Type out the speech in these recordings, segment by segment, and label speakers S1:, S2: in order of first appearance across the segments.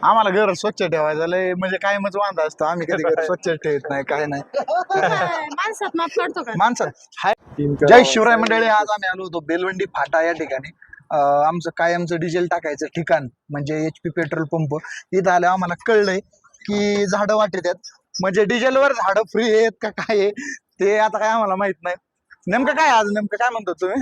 S1: आम्हाला घर स्वच्छ ठेवायचं लय म्हणजे कायमच वांदा असतो. आम्ही कधी घर स्वच्छ ठेवत नाही काय नाही.
S2: माणसात माफ करतो का?
S1: माणसं हाय. जय शिवराय मंडळी. आज आम्ही आलो होतो बेलवंडी फाटा या ठिकाणी. आमचं कायमचं डिझेल टाकायचं ठिकाण म्हणजे HP पेट्रोल पंप. इथं आलं आम्हाला कळलंय की झाडं वाटत आहेत म्हणजे डिझेलवर झाडं फ्री आहेत का काय आहे ते आता काय आम्हाला माहित नाही. नेमकं काय आज नेमकं काय म्हणतो तुम्ही?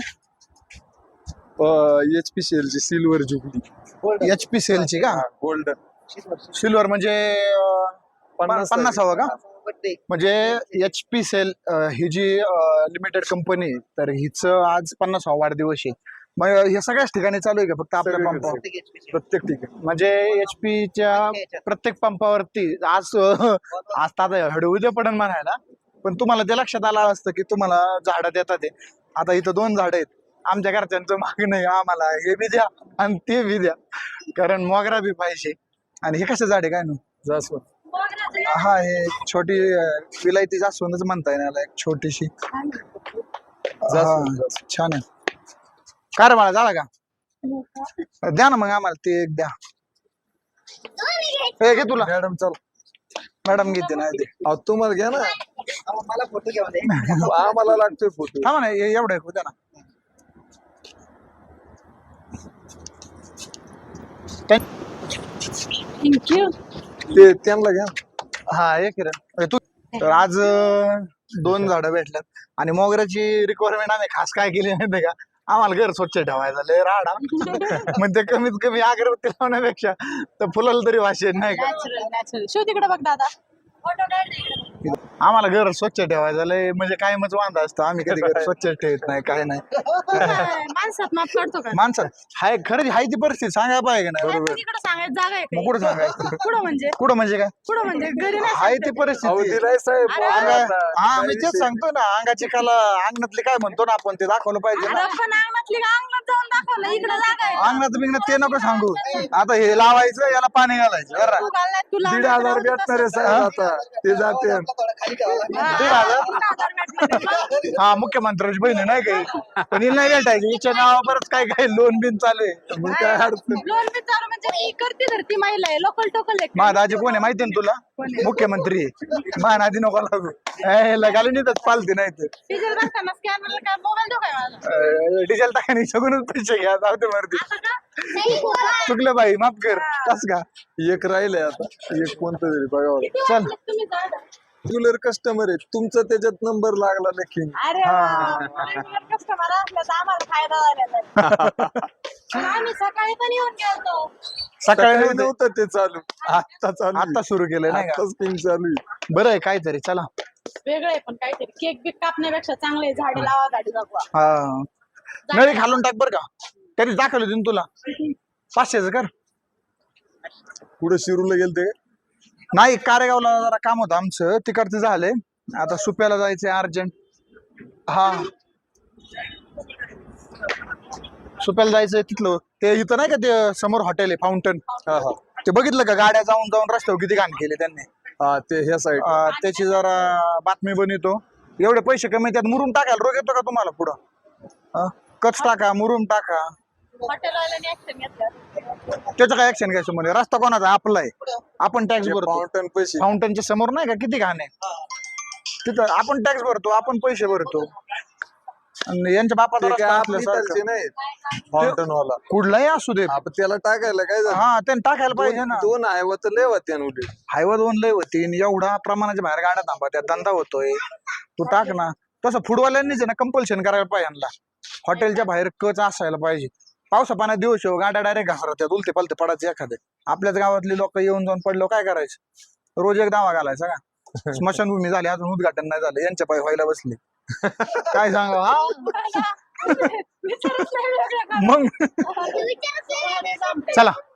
S3: HPCL ची सिल्वर जुबली
S1: HPCL ची का?
S3: गोल्डन
S1: सिल्वर म्हणजे 50वा का? म्हणजे HPCL ही जी लिमिटेड कंपनी आहे तर हिचं आज 50वा वाढदिवस आहे. मग हे सगळ्याच ठिकाणी चालू आहे का फक्त आपल्या पंपावर?
S3: प्रत्येक ठिकाणी
S1: म्हणजे HPच्या प्रत्येक पंपावरती आज आज तर आता हळू उद्या पडन म्हणायला, पण तुम्हाला ते लक्षात आलं असतं की तुम्हाला झाडं देतात ते. आता इथं 2 झाडं आहेत. आमच्या घरच्यांचं मागणं आहे आम्हाला हे बी द्या आणि ते बी द्या, कारण मोगरा बी पाहिजे. आणि हे कसं झाड आहे काय ना?
S3: जास्वंद.
S1: हा हे छोटी विलायती जास्वंदच म्हणता येईल याला, एक छोटीशी.
S3: जास्वंद.
S1: हा, छान आहे. काय रे बाळा झाला का? द्या ना मग आम्हाला ते एक द्या. हे घे तुला.
S3: मॅडम चल.
S1: मॅडम घेते नाही ते.
S3: अहो तुम्हाला घ्या ना.
S4: मला फोटो घ्या म्हणे.
S3: आम्हाला लागतोय फोटो.
S1: थांबा ना एवढं एक द्या ना.
S2: थँक्यू.
S3: ते त्यांना घ्या.
S1: हा एक किरण तू. तर आज 2 झाडं भेटल्यात आणि मोगऱ्याची रिक्वायरमेंट आम्ही खास काय केली माहिती का? आम्हाला घर स्वच्छ ठेवायचं लय राडा. म्हणजे कमीत कमी अगरबत्ती लावण्यापेक्षा तर फुलाला तरी वाशेल नाही का?
S2: नॅचरल शिव तिकडे बघ दादा. फोटो काढ.
S1: आम्हाला घर स्वच्छ ठेवायचं लय म्हणजे कायमच वांदा असतो. आम्ही कधी घर स्वच्छ ठेवत नाही काय नाही.
S2: माणसात माफ करतो का?
S1: माणसं हाय खरंच हाय ती परिस्थिती सांगायला पाहिजे का नाही?
S2: तिकडे सांगायची जागा आहे
S1: मग कुठं सांगायचं?
S2: कुठं म्हणजे
S1: काय
S2: कुठं म्हणजे घरी नाही
S1: हाय ती
S3: अहो
S1: परिस्थिती.
S3: दिलाय साहेब.
S2: अरे,
S1: हा मी तेच सांगतो ना, अंगाची कला अंगणातली काय म्हणतो ना आपण ते दाखवलं पाहिजे ना.
S2: अरे पण अंगणातली का अंगणात जाऊन दाखवलं इकडे जागा आहे.
S1: अंगणात बिंगणात ते नको सांगू. आता हे लावायचं याला पाणी घालायचं बरं.
S2: तू घालणार, तू
S3: 1,500
S2: लावणार,
S3: भेटणार आहे साहेब आता. ते जाते.
S4: खाली ठेवा.
S1: 1,500. हा मुख्यमंत्र्याची बहीण आहे नाही काही, पण हिला नाही भेटायची. हिच्या नावावरच काय काय लोन बिन चालू आहे.
S3: मग काय अडचण.
S2: लोन बी चालू म्हणजे ही करती धरती महिला आहे लोकल टोकल आहे.
S1: माझा दाजी कोण आहे माहिती ना तुला? मुख्यमंत्री आहे. माझ्या आधी नको लागू. लगाली नाही पालती नाही तर
S2: डिझेल बसताना स्कॅनरला काय मोबाईल देऊ काय माझा?
S1: डिझेल टाकाने सगळूनच पैसे घ्या जाऊ दे मर्दी. चुकलं बाई माफ कर. कस का?
S3: एक राहिलंय आता. एक कोणतं तरी बघावं.
S2: किती
S1: चल.
S2: वाजले तुम्ही जागा?
S3: रेग्युलर कस्टमर आहे तुमचा, त्याच्यात नंबर लागला नक्की.
S2: अरे कस्टमर असलं तर आम्हाला फायदा झाला. आम्ही सकाळी पण येऊन गेलो.
S1: सकाळी
S3: सकाळी
S1: नव्हतं.
S3: नव्हतं ते चालू. आता चालू.
S1: आता सुरू केलं नाही का?
S3: आता स्कीम चालू आहे.
S1: बरं आहे काहीतरी. चला
S2: वेगळं आहे पण काहीतरी केक बिक कापण्यापेक्षा चांगले झाडे लावा गाडी जगवा.
S1: हा नळी खालून टाक बरं का. तरी दाखवलं होती तुला 500चं कर.
S3: पुढे शिरूरला गेलते का?
S1: नाही कारेगावला जरा काम होतं आमचं तिकडचं झालंय. आता सुप्याला जायचंय अर्जंट. हा सुप्याला जायचंय तिथलं ते इथं नाही का ते समोर हॉटेल आहे फाउंटन.
S3: हा हा
S1: ते बघितलं का? गाड्या जाऊन जाऊन रस्त्यावर किती घाण केले त्यांनी.
S3: हा ते ह्या साईड.
S1: त्याची जरा बातमी बनवतो. एवढे पैसे कमी त्यात मुरुम टाकायला रोग येतो का तुम्हाला पुढं? कच टाका मुरुम टाका.
S2: हॉटेलवाल्याने ऍक्शन घेतलं.
S1: त्याचं काय ऍक्शन घ्यायचं म्हणजे? रस्ता कोणाचा? आपला आहे. आपण टॅक्स भरतो.
S3: फाउंटन पैसे.
S1: फाउंटनच्या समोर नाही का किती घाण आहे तिथं? आपण टॅक्स भरतो, आपण पैसे भरतो. आणि यांच्या बापाचा
S3: ते काय
S1: रस्ता
S3: आपली
S1: असल्यासारखं.
S3: इथलचे नाहीत. फाउंटन वाला.
S1: कुठलाही असू दे.
S3: आपण त्याला टाकायला काय झालं?
S1: हा त्यांनी टाकायला पाहिजे ना.
S3: दोन आहे व तर लय होते उलट.
S1: हायवा 2 लय होती एवढा प्रमाणाच्या बाहेर गाड्या थांबा त्या धंदा होतोय. तू टाक ना. तसं फुडवाल्यांनीच ना कंपल्शन करायला पाहिजे यांना. हॉटेलच्या बाहेर कच असायला पाहिजे. पावसा पाण्यात दिवस गाड्या डायरेक्ट घासरत्यात उलते पालते पडायचे एखादे. आपल्याच गावातली लोक येऊन जाऊन पडलो काय करायचं? रोज एक दावा घालायचा का? स्मशानभूमी झाली अजून उद्घाटन नाही झालं. यांच्या पाय व्हायला बसले. काय सांगा हा
S2: विचारच नाही वेगळं का?
S1: मग
S2: विचारच नाही.
S1: चला.